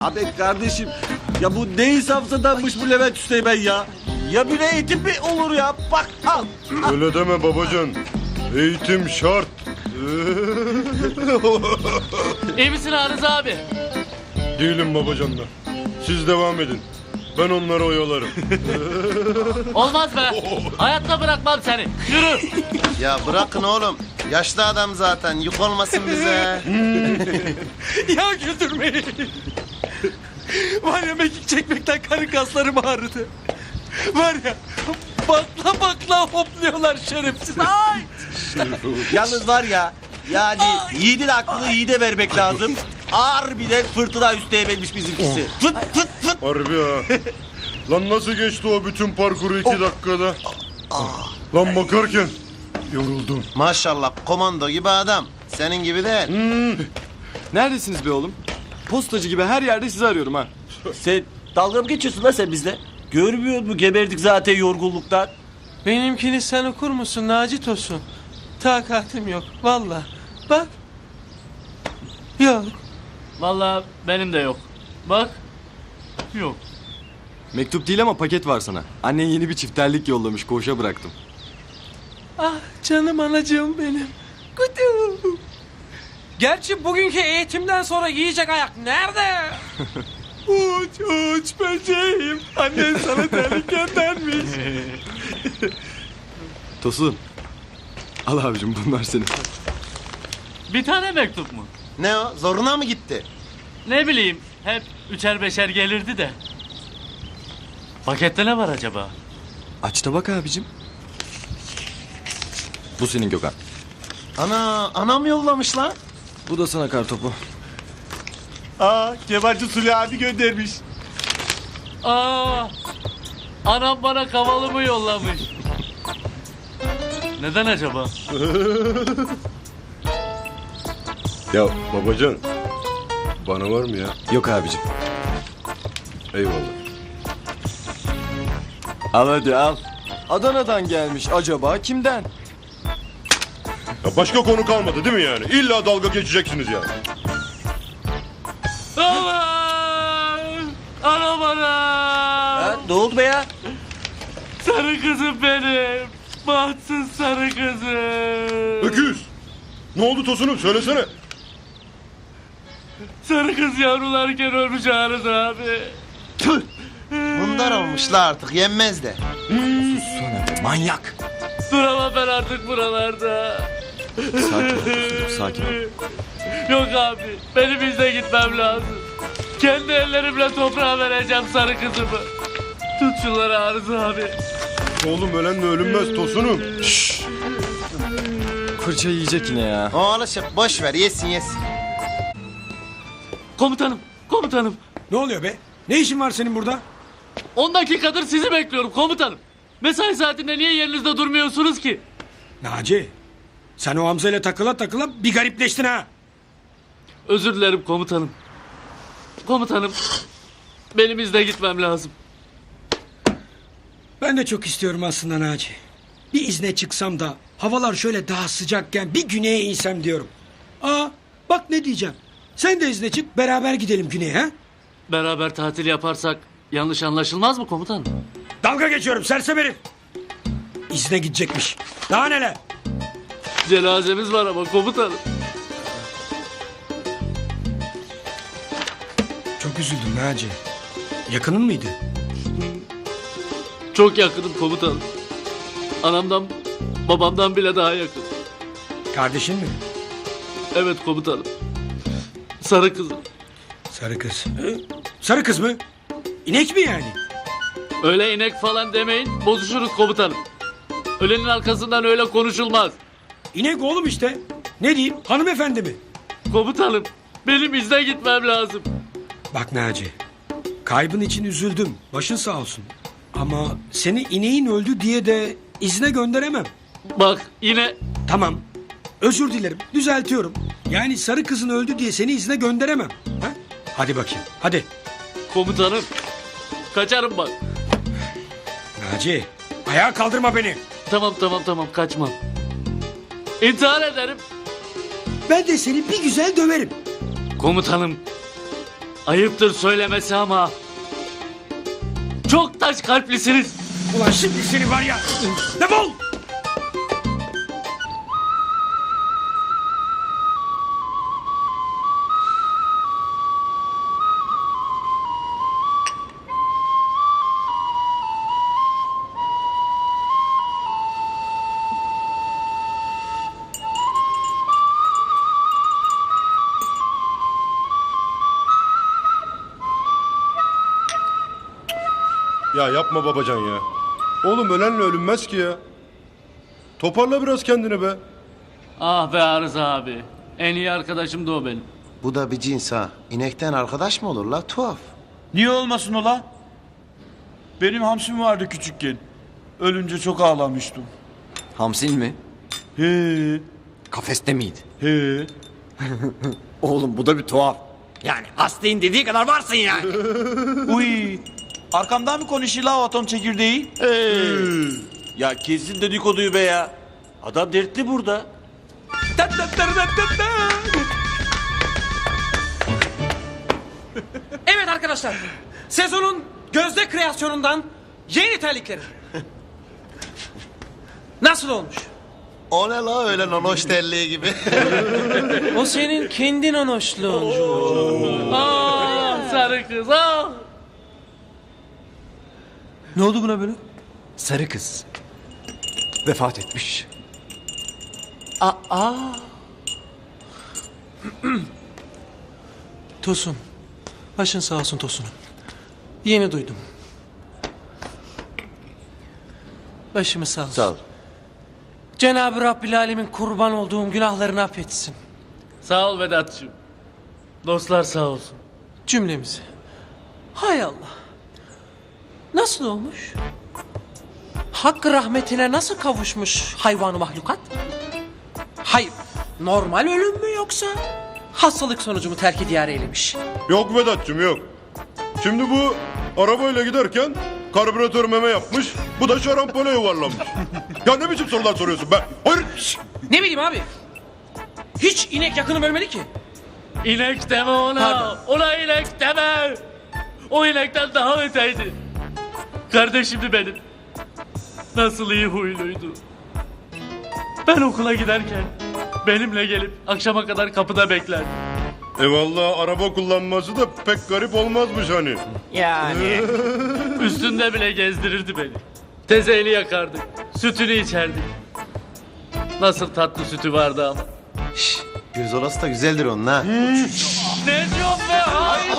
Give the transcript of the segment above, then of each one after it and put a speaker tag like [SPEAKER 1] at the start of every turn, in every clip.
[SPEAKER 1] Abi kardeşim ya bu ne insafsızdanmış bu Levent Üsteğmen ya. Ya bir eğitim mi olur ya? Bak al.
[SPEAKER 2] Öyle deme babacan. Eğitim şart.
[SPEAKER 3] İyi misin Arız abi?
[SPEAKER 2] Değilim babacanlar. Siz devam edin. Ben onları oyalarım.
[SPEAKER 3] Olmaz be. Hayatta bırakmam seni. Yürü.
[SPEAKER 4] Ya bırakın oğlum. Yaşlı adam zaten. Yük olmasın bize.
[SPEAKER 5] Ya güldürmeyin. Var ya mekik çekmekten karın kaslarım ağrıdı. Var ya bakla bakla hopluyorlar şerefsiz. Ay!
[SPEAKER 1] Yalnız var ya yani yiğidin aklını yiğide vermek lazım. Ağır bir de fırtına Üsteğmen'miş bizimkisi. Fıt fıt fıt.
[SPEAKER 2] Harbi ha. Lan nasıl geçti o bütün parkuru 2 dakikada? Lan bakarken yoruldum.
[SPEAKER 4] Maşallah komando gibi adam. Senin gibi değil.
[SPEAKER 6] Neredesiniz be oğlum? Postacı gibi her yerde sizi arıyorum ha.
[SPEAKER 1] Sen dalga mı geçiyorsun lan sen bizle? Görmüyor musun geberdik zaten yorgunluktan.
[SPEAKER 5] Benimkini sen okur musun Naci Tosun? Takatim yok valla. Bak. Yok.
[SPEAKER 3] Vallahi benim de yok. Bak. Yok.
[SPEAKER 6] Mektup değil ama paket var sana. Annen yeni bir çifterlik yollamış, koğuşa bıraktım.
[SPEAKER 5] Ah canım anacığım benim. Kutu. Gerçi bugünkü eğitimden sonra yiyecek ayak nerede? Uç uç böceğim. Annen sana terlik göndermiş.
[SPEAKER 6] Tosun. Al abicim bunlar senin.
[SPEAKER 3] Bir tane mektup mu?
[SPEAKER 4] Ne o? Zoruna mı gitti?
[SPEAKER 3] Ne bileyim. Hep üçer beşer gelirdi de. Pakette ne var acaba?
[SPEAKER 6] Aç da bak abicim. Bu senin Gökhan.
[SPEAKER 4] Anam yollamış lan.
[SPEAKER 6] Bu da sana kartopu.
[SPEAKER 1] Aa Kemalci Suli abi göndermiş.
[SPEAKER 3] Aa, anam bana kavalımı yollamış. Neden acaba?
[SPEAKER 2] Ya babacan. Bana var mı ya?
[SPEAKER 6] Yok abicim.
[SPEAKER 2] Eyvallah.
[SPEAKER 6] Al hadi al. Adana'dan gelmiş, acaba kimden?
[SPEAKER 2] Ya başka konu kalmadı değil mi yani? İlla dalga geçeceksiniz yani.
[SPEAKER 3] Aman! Anam anam!
[SPEAKER 1] Ha, ne oldu be ya?
[SPEAKER 3] Sarı kızım benim. Bahtsız sarı kızım.
[SPEAKER 2] Öküz. Ne oldu Tosun'um söylesene.
[SPEAKER 3] Sarı kız yavrularken ölmüş Arız abi.
[SPEAKER 4] Tüh. Bunlar olmuşlar artık. Yenmez de.
[SPEAKER 6] Manyak.
[SPEAKER 3] Duramam ben artık buralarda.
[SPEAKER 6] Sakin ol Tosun'cum, sakin ol.
[SPEAKER 3] Yok abi, benim izle gitmem lazım. Kendi ellerimle toprağa vereceğim sarı kızımı. Tut şunları Arız abi.
[SPEAKER 2] Oğlum ölenle ölünmez Tosun'um.
[SPEAKER 6] Fırça yiyecek yine ya.
[SPEAKER 4] O alışık. Boş ver. Yesin yesin.
[SPEAKER 3] Komutanım, komutanım.
[SPEAKER 5] Ne oluyor be? Ne işin var senin burada?
[SPEAKER 3] 10 dakikadır sizi bekliyorum komutanım. Mesai saatinde niye yerinizde durmuyorsunuz ki?
[SPEAKER 5] Naci. Sen o Hamza ile takıla takıla bir garipleştin ha.
[SPEAKER 3] Özür dilerim komutanım. Komutanım, benim izle gitmem lazım.
[SPEAKER 5] Ben de çok istiyorum aslında Naci. Bir izne çıksam da havalar şöyle daha sıcakken bir güneye insem diyorum. Aa bak ne diyeceğim. Sen de izne çık beraber gidelim güneye ha.
[SPEAKER 3] Beraber tatil yaparsak yanlış anlaşılmaz mı komutanım?
[SPEAKER 5] Dalga geçiyorum sersem herif. İzne gidecekmiş. Daha neler?
[SPEAKER 3] Cenazemiz var ama komutanım.
[SPEAKER 5] Çok üzüldüm Naci. Yakının mıydı?
[SPEAKER 3] Çok yakınım komutanım. Anamdan, babamdan bile daha yakın.
[SPEAKER 5] Kardeşin mi?
[SPEAKER 3] Evet komutanım. Sarı kızım.
[SPEAKER 5] Sarı kız. Sarı kız mı? İnek mi yani?
[SPEAKER 3] Öyle inek falan demeyin, bozuşuruz komutanım. Ölenin arkasından öyle konuşulmaz.
[SPEAKER 5] İnek oğlum işte. Ne diyeyim hanımefendi mi?
[SPEAKER 3] Komutanım, benim izne gitmem lazım.
[SPEAKER 5] Bak Naci. Kaybın için üzüldüm. Başın sağ olsun. Ama seni ineğin öldü diye de izne gönderemem.
[SPEAKER 3] Bak yine
[SPEAKER 5] Tamam. Özür dilerim. Düzeltiyorum. Yani sarı kızın öldü diye seni izne gönderemem. Ha? Hadi bakayım. Hadi.
[SPEAKER 3] komutanım. Kaçarım bak.
[SPEAKER 5] Naci. Ayağa kaldırma beni.
[SPEAKER 3] Tamam kaçmam. İntihar ederim.
[SPEAKER 5] Ben de seni bir güzel döverim.
[SPEAKER 3] Komutanım. Ayıptır söylemesi ama çok taş kalplisiniz.
[SPEAKER 5] Ulan şimdi seni var ya. Defol!
[SPEAKER 2] Ya yapma babacan ya. Oğlum ölenle ölünmez ki ya. Toparla biraz kendini be.
[SPEAKER 3] Ah be Arıza abi. En iyi arkadaşım da o benim.
[SPEAKER 4] Bu da bir cins ha. İnekten arkadaş mı olur la? Tuhaf.
[SPEAKER 7] Niye olmasın ola? Benim hamsim vardı küçükken. Ölünce çok ağlamıştım.
[SPEAKER 6] Hamsin mi?
[SPEAKER 7] He,
[SPEAKER 6] Kafeste miydi?
[SPEAKER 7] he.
[SPEAKER 6] Oğlum bu da bir tuhaf. Yani hastayın dediği kadar varsın yani.
[SPEAKER 7] Uy. Arkamdan mı konuşuyor la o atom çekirdeği?
[SPEAKER 1] Ya kesin dedikoduyu be ya. Adam dertli burada.
[SPEAKER 8] Evet arkadaşlar, sezonun gözde kreasyonundan yeni terlikleri. Nasıl olmuş?
[SPEAKER 4] O ne la öyle nonoş terliği gibi.
[SPEAKER 8] O senin kendin hoşluğun.
[SPEAKER 3] Ah sarı kız ah.
[SPEAKER 8] Ne oldu buna böyle?
[SPEAKER 6] Sarı kız. Vefat etmiş.
[SPEAKER 8] Tosun, başın sağ olsun Tosun'um. Yeni duydum. Başımız sağ olsun.
[SPEAKER 1] Sağ ol.
[SPEAKER 8] Cenab-ı Rabbil Alemin kurban olduğum günahlarını affetsin.
[SPEAKER 3] Sağ ol Vedat'cığım. Dostlar sağ olsun.
[SPEAKER 8] Cümlemizi. Hay Allah. Nasıl olmuş? Hakkı rahmetine nasıl kavuşmuş hayvanı mahlukat? Hayır, normal ölüm mü yoksa hastalık sonucu mu terk-i diyar eylemiş?
[SPEAKER 2] Yok Vedat'cığım yok. Şimdi bu arabayla giderken karbüratör meme yapmış. Bu da şarampole yuvarlanmış. Ya ne biçim sorular soruyorsun be? Hayır. şşş!
[SPEAKER 8] Ne bileyim abi. Hiç inek yakınım ölmedi ki.
[SPEAKER 3] İnek deme ona.
[SPEAKER 8] Pardon.
[SPEAKER 3] Ona inek deme. O inekten daha öteydi. Kardeşimdi benim. Nasıl iyi huyluydu. Ben okula giderken benimle gelip akşama kadar kapıda beklerdi.
[SPEAKER 2] Vallahi araba kullanması da pek garip olmazmış hani.
[SPEAKER 3] Üstünde bile gezdirirdi beni. Tezeyli yakardık. Sütünü içerdik. Nasıl tatlı sütü vardı ama.
[SPEAKER 4] Gürzolası da güzeldir onun ha.
[SPEAKER 3] Ne diyorsun be? Hayır.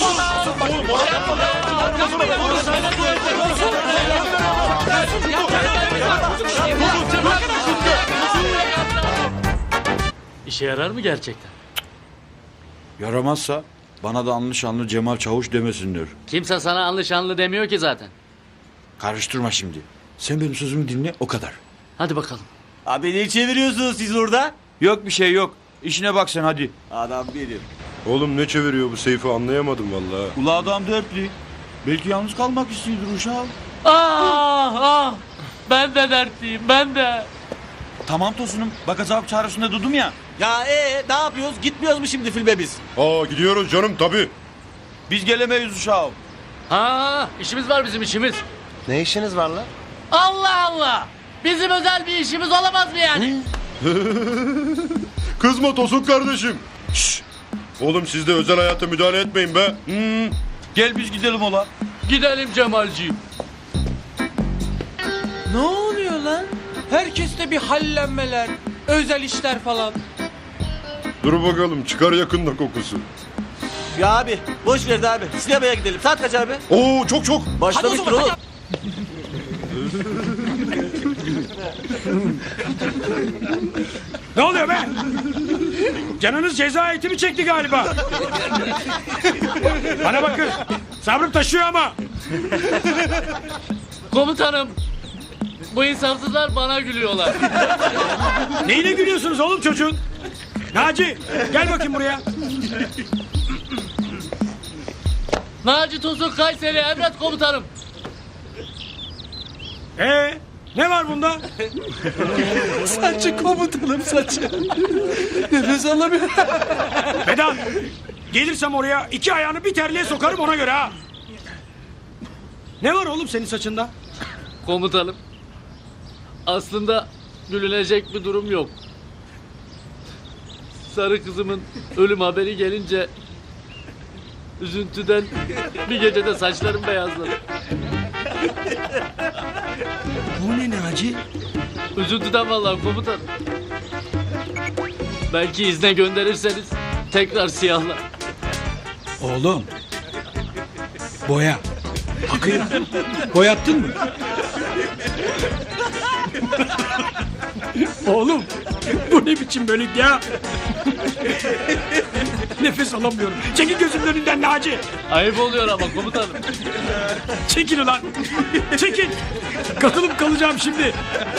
[SPEAKER 3] İşe yarar mı gerçekten?
[SPEAKER 7] Yaramazsa bana da anlı şanlı Cemal Çavuş demesinler.
[SPEAKER 3] Kimse sana anlı şanlı demiyor ki zaten.
[SPEAKER 7] Karıştırma şimdi. Sen benim sözümü dinle o kadar.
[SPEAKER 3] Hadi bakalım.
[SPEAKER 1] Abi ne çeviriyorsunuz siz orada?
[SPEAKER 7] Yok bir şey yok. İşine bak sen hadi.
[SPEAKER 1] Adam benim.
[SPEAKER 2] Oğlum ne çeviriyor bu Seyfi anlayamadım vallahi.
[SPEAKER 7] Ula adam dertli. Belki yalnız kalmak istiyordur uşağım.
[SPEAKER 3] Ah ah. Ben de dertliyim ben de.
[SPEAKER 7] Tamam Tosun'um. Bak azap çağrısında durdum ya.
[SPEAKER 1] Ya ne yapıyoruz? Gitmiyoruz mu şimdi filme biz?
[SPEAKER 2] Aa gidiyoruz canım tabii.
[SPEAKER 7] Biz gelemeyiz uşağım.
[SPEAKER 3] Ha işimiz var bizim işimiz.
[SPEAKER 4] Ne işiniz var la?
[SPEAKER 3] Allah Allah. Bizim özel bir işimiz olamaz mı yani?
[SPEAKER 2] Kızma Tosun kardeşim. Şşş. Oğlum siz de özel hayata müdahale etmeyin be.
[SPEAKER 7] Gel biz gidelim ola.
[SPEAKER 3] Gidelim Cemalciğim.
[SPEAKER 8] Ne oluyor lan? Herkeste bir hallenmeler, özel işler falan.
[SPEAKER 2] Dur bakalım çıkar yakında kokusu.
[SPEAKER 1] Ya abi boş ver de abi. Sinemaya gidelim. Saat kaç abi?
[SPEAKER 2] Oo çok çok.
[SPEAKER 1] Başlamıştır oğlum.
[SPEAKER 5] Ne oluyor be? Canınız ceza eğitimi çekti galiba. Bana bakın. Sabrım taşıyor ama.
[SPEAKER 3] Komutanım. Bu insafsızlar bana gülüyorlar.
[SPEAKER 5] Neyine gülüyorsunuz oğlum çocuğun? Naci gel bakayım buraya.
[SPEAKER 3] Naci Tosun Kayseri emret komutanım.
[SPEAKER 5] Ne var bunda?
[SPEAKER 8] Saçı komutanım saçı. Nefes alamıyorum.
[SPEAKER 5] Vedat Gelirsem oraya 2 ayağını bir terliğe sokarım ona göre ha. Ne var oğlum senin saçında?
[SPEAKER 3] Komutanım. Aslında gülünecek bir durum yok. Sarı kızımın ölüm haberi gelince üzüntüden bir gecede saçlarım beyazladı.
[SPEAKER 5] Bu ne Naci?
[SPEAKER 3] Üzüntüden vallahi komutanım. Belki izne gönderirseniz tekrar siyahlar.
[SPEAKER 5] Oğlum. Boya. Bakayım. Boyattın mı? Oğlum. Bu ne biçim bölük ya? Nefes alamıyorum. Çekil gözümün önünden Naci.
[SPEAKER 3] Ayıp oluyor ama komutanım.
[SPEAKER 5] Çekil ulan. Çekil. Katılıp kalacağım şimdi.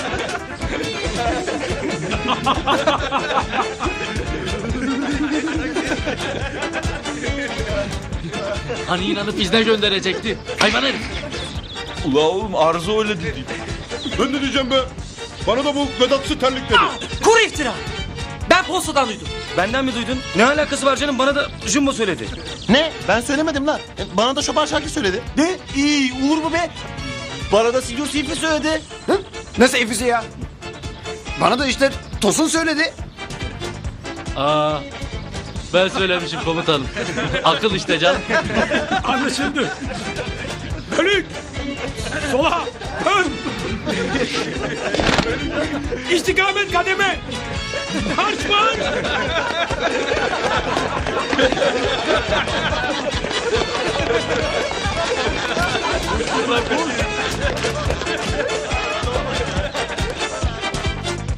[SPEAKER 3] Hani inanıp izne gönderecekti. Hayvan herif.
[SPEAKER 7] Ula oğlum Arzu öyle dedi.
[SPEAKER 2] Ben ne diyeceğim be? Bana da bu Vedat'sı terlik dedi.
[SPEAKER 8] Kuru iftira. Ben postadan duydum.
[SPEAKER 6] Benden mi duydun? Ne alakası var canım? Bana da Jumbo söyledi.
[SPEAKER 4] Ne? Ben söylemedim lan. Bana da Şoban Şakir söyledi.
[SPEAKER 1] Ne? İyi olur mu be? Bana da Sinyor Seyfi söyledi.
[SPEAKER 9] Nasıl Efisi ya? Bana da işte Tosun söyledi.
[SPEAKER 3] Aa, ben söylemişim komutanım. Akıl işte canım.
[SPEAKER 5] Anlaşıldı. Bölük. Sola. Ön. İstikamet kademe. Marş marş.